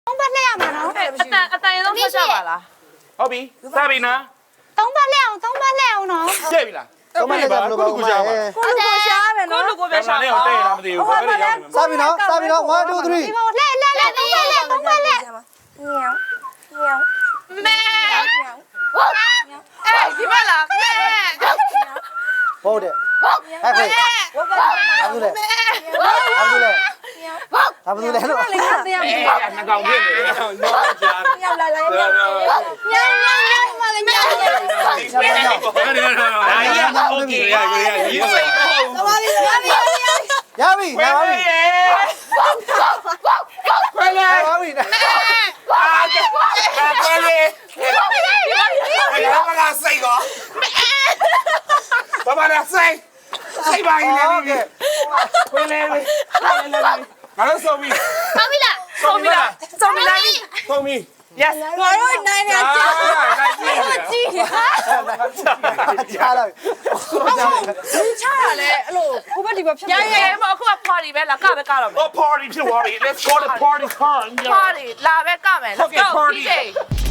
3ပတ်လှည့်ရမှာနော်အတန်ရေတော့ဖတ်ကြပါလားဟုတ်ပြီစပြီနော် 3ပတ်လှည့်အောင်3ပတ်လှည့်အောင်နော်ကြည့်ပြီလားတော့မလည်းကြမလို့ပါဦးမကိုလူကိုရှားမယ်နော်ကိုလူကိုပဲရှာရှားနေပါတော့တဲ့လားမသိဘူးဘယ်လိုရောက်နေစပြီနော်1 2 3 ဒီပေါ်လှည့်3ပတ်လှည့်3ပတ်လှည့်မဲဒီမလားမဲဟုတ်တယ်ဟဲ့ဖေးဘာလို့လဲဘာလို့လဲဘာလို့လဲလို့အေးနှကောင်ဖြစ်နေတယ်နော်ကြားရောက်လာလိုက်ရောက်ညောင်းမလေးညောင်းတယ်အားရโอเคရရေးစိုက်တော့သမားလေးရပြီရပြီရပါပြီခွဲလေရပါပြီအားကခွဲလေဘယ်တော့မှစိတ်ကောဘာမှလည်းစိတ်ပါရင်လည်းခွဲလေငါတို့ဆုံးပြီဟုတ်ပြီလားဆုံးပြီလားဆုံးပြီလားဆုံးပြီ yes ငါတို့နိုင်နေကြကြည့်ကြည့်ချားလိုက်ချားရလဲအဲ့လိုဟိုဘက်ဒီဘက်ဖြစ်နေရဲမအခုက party ပဲလားကပဲကတော့မယ် Oh, party to worry. Let's go to party time. party လာပဲကမယ် let's Okay, go party. DJ